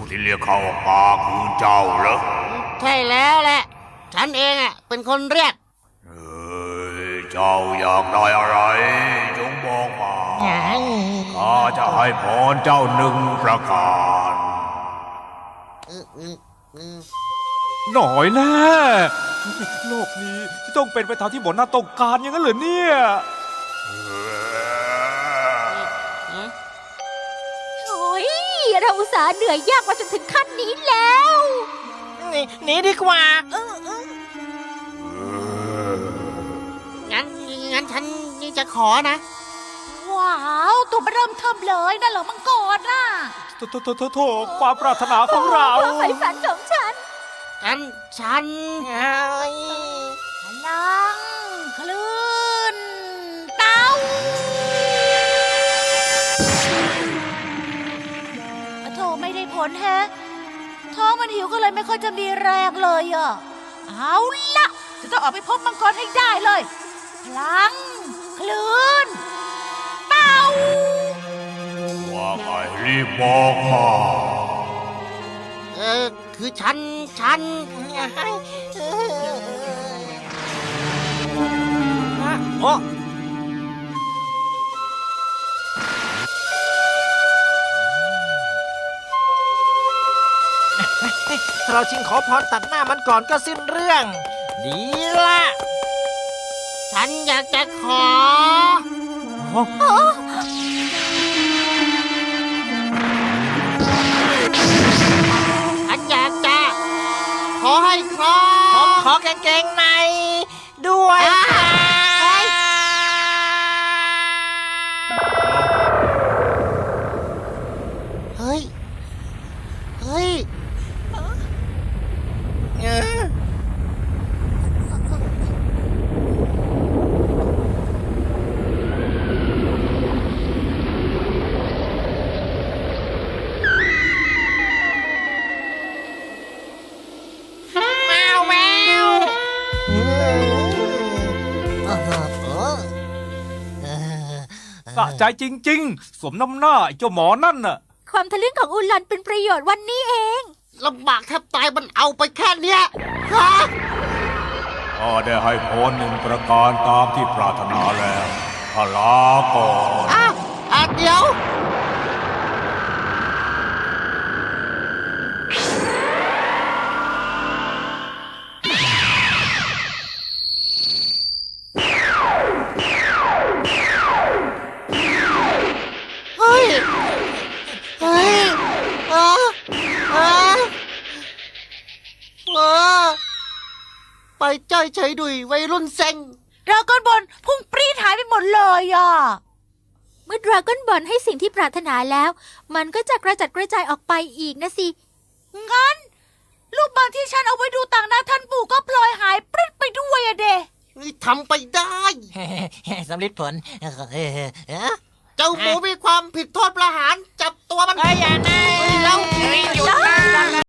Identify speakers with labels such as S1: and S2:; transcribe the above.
S1: ผู้ที่เรียกเขาออกมาคือเจ้าเหรอ
S2: ใช่แล้วแหละฉันเองเป็นคนเรียก
S1: เจ้าอยากได้อะไรจงบอกมาข้าจะให้พรเจ้า1 ประการ
S3: หน่อยแน่โลกนี้จะต้องเป็นไปตามที่หมอหน้าต้องการอย่างนั้นเหรอเนี่ย
S4: โอ้ยเราอุตส่าห์เหนื่อยยากมาจนถึงขั้นนี้แล้ว
S2: หนีดีกว่างั้นฉันจะขอนะ
S4: ว้าวตัวเริ่มเทิมเลยนั่นเหรอมังกรน่ะ
S3: โถความปรารถนาของเรา
S4: ความใฝ่ฝันของฉัน
S2: พ
S4: ลังคลื่นเต้าโธ่ไม่ได้ผลแฮะท้องมันหิวก็เลยไม่ค่อยจะมีแรงเลยเอาล่ะจะต้องออกไปพบมังกรให้ได้เลยพลังคลื่นเต้า
S1: ว่าไงรีบบอกมา
S2: คือฉันโอ้เราชิงขอพรตัดหน้ามันก่อนก็สิ้นเรื่องดีละฉันอยากจะขอฉันอยากจะขอให้ครอบผมขอกางเกงในด้วยเฮ้ย
S3: สะใจจริงๆสมน้ำหน้าเจ้าหมอนั่นน่ะ
S4: ความทะลึ่งของอุลันเป็นประโยชน์วันนี้เอง
S2: ลำบากแทบตายมันเอาไปแค่เนี้ยฮะ
S1: ข้าได้ให้พร1 ประการตามที่ปรารถนาแล้วพลาก่อน
S2: เดี๋ยวไปจ้อยเฉยดุยวัยรุ่นเซ็ง
S4: ดราก้อนบอลพุ่งปรีดหายไปหมดเลยเมื่อดราก้อนบอลให้สิ่งที่ปรารถนาแล้วมันก็จะกระจัดกระจายออกไปอีกนะสิงั้นลูกบอลที่ฉันเอาไว้ดูต่างหน้าท่านปู่ก็พลอยหายปริดไปด้วยเด
S2: นี่ทำไปได้
S5: สำลิดผล
S2: เจ้าหมูมีความผิดโทษประหารจับตัวมัน
S5: อย่านะ
S2: แล้ว
S5: หยุดนะ